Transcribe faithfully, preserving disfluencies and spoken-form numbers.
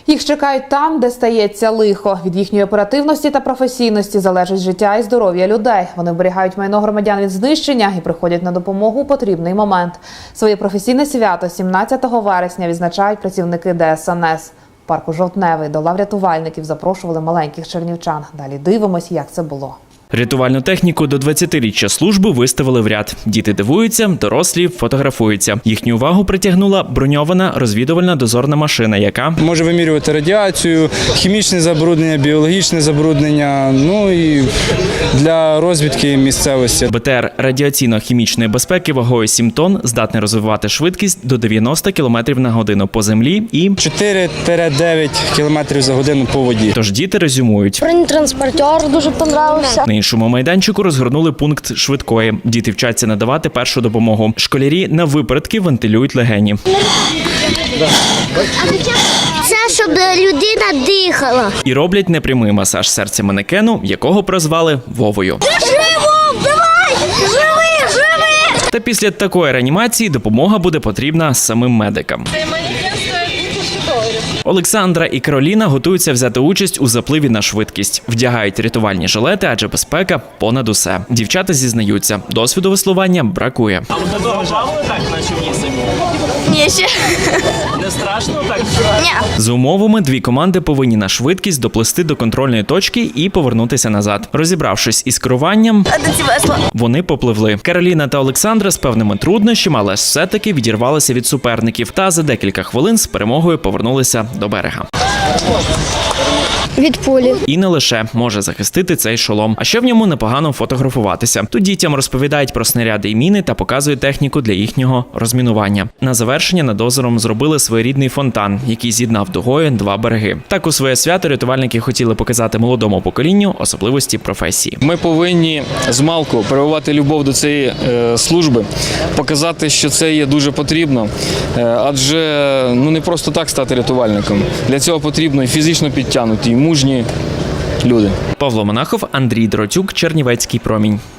Їх чекають там, де стається лихо. Від їхньої оперативності та професійності залежить життя і здоров'я людей. Вони оберігають майно громадян від знищення і приходять на допомогу у потрібний момент. Своє професійне свято сімнадцятого вересня відзначають працівники Де Ес Ен Ес. В парку Жовтневий до лав рятувальників запрошували маленьких чернівчан. Далі дивимось, як це було. Рятувальну техніку до двадцятиріччя служби виставили в ряд. Діти дивуються, дорослі фотографуються. Їхню увагу притягнула броньована розвідувальна дозорна машина, яка може вимірювати радіацію, хімічне забруднення, біологічне забруднення, ну і для розвідки місцевості. Бе Те Ер радіаційно-хімічної безпеки вагою сім тонн здатний розвивати швидкість до дев'яноста кілометрів на годину по землі і чотири - дев'ять кілометрів за годину по воді. Тож діти резюмують. Бронетранспортер дуже понравився. На іншому майданчику розгорнули пункт швидкої. Діти вчаться надавати першу допомогу. Школярі на випередки вентилюють легені. Це щоб людина дихала. І роблять непрямий масаж серця манекену, якого прозвали Вовою. Живо! Давай! Живи! Живи! Та після такої реанімації допомога буде потрібна самим медикам. Олександра і Кароліна готуються взяти участь у запливі на швидкість. Вдягають рятувальні жилети, адже безпека понад усе. Дівчата зізнаються, досвіду веслування бракує. А ви до того плавали так на човні самі? Ні, ще. Не страшно так? Ні. За умовами, дві команди повинні на швидкість доплисти до контрольної точки і повернутися назад. Розібравшись із керуванням, вони попливли. Кароліна та Олександра з певними труднощами, але все-таки відірвалися від суперників та за декілька хвилин з перемогою повернулися до берега. Від пулі. І не лише може захистити цей шолом, а ще в ньому непогано фотографуватися. Тут дітям розповідають про снаряди і міни та показують техніку для їхнього розмінування. На завершення над озером зробили своєрідний фонтан, який з'єднав дугою два береги. Так у своє свято рятувальники хотіли показати молодому поколінню особливості професії. Ми повинні змалку прививати любов до цієї е, служби, показати, що це є дуже потрібно, е, адже ну не просто так стати рятувальником. Для цього потрібно і фізично підтягнуті, і мужні люди. Павло Монахов, Андрій Дротюк, Чернівецький промінь.